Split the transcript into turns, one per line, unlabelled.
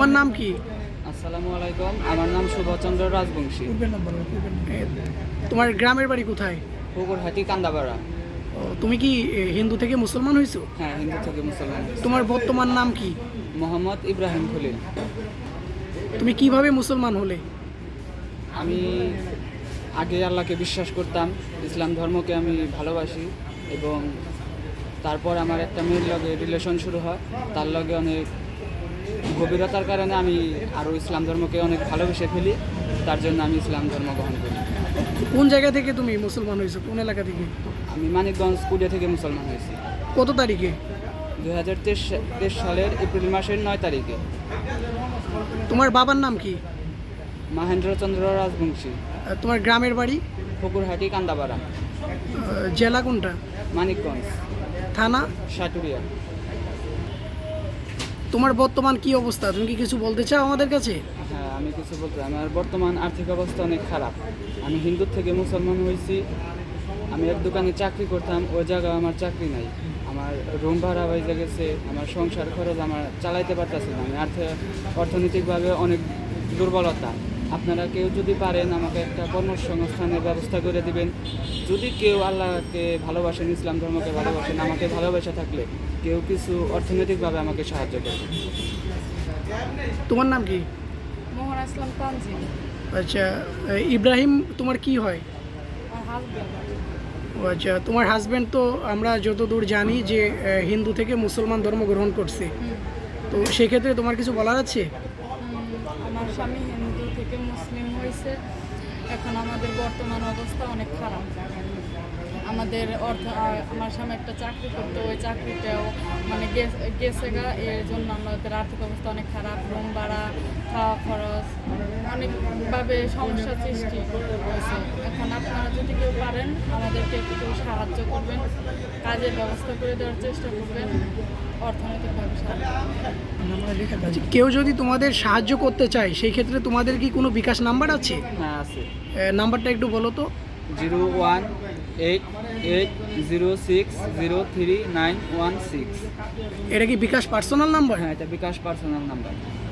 তোমার নাম কি?
আসসালামু আলাইকুম, আমার নাম শুভচন্দ্র রাজবংশী।
তোমার গ্রামের বাড়ি কোথায়?
পুকুরহাটি কান্দাপাড়া।
তুমি কি হিন্দু থেকে মুসলমান হয়েছো?
হ্যাঁ, হিন্দু থেকে মুসলমান।
তোমার বর্তমান নাম কি?
মোহাম্মদ ইব্রাহিম খলিল।
তুমি কিভাবে মুসলমান হলে?
আমি আগে আল্লাহকে বিশ্বাস করতাম, ইসলাম ধর্মকে আমি ভালোবাসি, এবং তারপর আমার একটা মেয়ের লগে রিলেশন শুরু হয়। তার লগে অনেক গভীরতার কারণে আমি আরও ইসলাম ধর্মকে অনেক ভালোবেসে ফেলি। তার জন্য আমি ইসলাম ধর্ম গ্রহণ করি।
কোন জায়গা থেকে তুমি মুসলমান হয়েছো? কোন এলাকা থেকে?
আমি মানিকগঞ্জ কুড়িয়া থেকে মুসলমান হয়েছি
কত তারিখে?
2023 সালের এপ্রিল মাসের 9 তারিখে।
তোমার বাবার নাম কি?
মহেন্দ্রচন্দ্র রাজবংশী।
তোমার গ্রামের বাড়ি?
পুকুরহাটি কান্দাপাড়া।
জেলা কোনটা?
মানিকগঞ্জ।
থানা?
সাটুরিয়া।
তোমার বর্তমান কি অবস্থা? তুমি কি কিছু বলতে চাও আমাদের কাছে?
হ্যাঁ, আমি কিছু বলতে, আমার বর্তমান আর্থিক অবস্থা অনেক খারাপ। আমি হিন্দুর থেকে মুসলমান হয়েছি। আমি এক দোকানে চাকরি করতাম, ওই জায়গায় আমার চাকরি নাই। আমার রুম ভাড়া হয়ে গেছে, আমার সংসার খরচ আমার চালাইতে পারতেছি না। আমি অর্থনৈতিকভাবে অনেক দুর্বলতা। আপনারা কেউ যদি পারেন আমাকে একটা কর্মসংস্থানের ব্যবস্থা করে দিবেন। যদি কেউ আল্লাহকে ভালোবাসেন, ইসলাম ধর্মকে ভালোবাসেন, আমাকে ভালোবাসা থাকলে কেউ কিছু অর্থনৈতিকভাবে আমাকে সাহায্য করবে।
তোমার নাম কি?
মোহন আসলাম তানজিম।
আচ্ছা, ইব্রাহিম তোমার কি হয়?
আমার হাজবেন্ড।
ও আচ্ছা, তোমার হাজব্যান্ড তো আমরা যতদূর জানি যে হিন্দু থেকে মুসলমান ধর্ম গ্রহণ করছে, তো সেক্ষেত্রে তোমার কিছু বলার আছে?
আমার স্বামী হিন্দু থেকে মুসলিম হয়েছে। এখন আমাদের বর্তমান অবস্থা অনেক খারাপ। আমাদের আমার স্বামী একটা চাকরি করতো, ওই চাকরিটাও মানে গেছে গা। এর জন্য আমাদের আর্থিক অবস্থা অনেক খারাপ। রুম ভাড়া, খাওয়া খরচ, অনেকভাবে সমস্যা সৃষ্টি হয়েছে। এখন আপনারা যদি কেউ পারেন আমাদেরকে একটু সাহায্য করবেন, কাজের ব্যবস্থা করে দেওয়ার চেষ্টা করবেন, অর্থনৈতিকভাবে সাহায্য।
আচ্ছা, কেউ যদি তোমাদের সাহায্য করতে চায় সেই ক্ষেত্রে তোমাদের কি কোনো বিকাশ নাম্বার আছে?
হ্যাঁ, আছে।
নাম্বারটা একটু বলো তো।
018806039116।
এটা কি বিকাশ পার্সোনাল নাম্বার?
হ্যাঁ, এটা বিকাশ পার্সোনাল নাম্বার।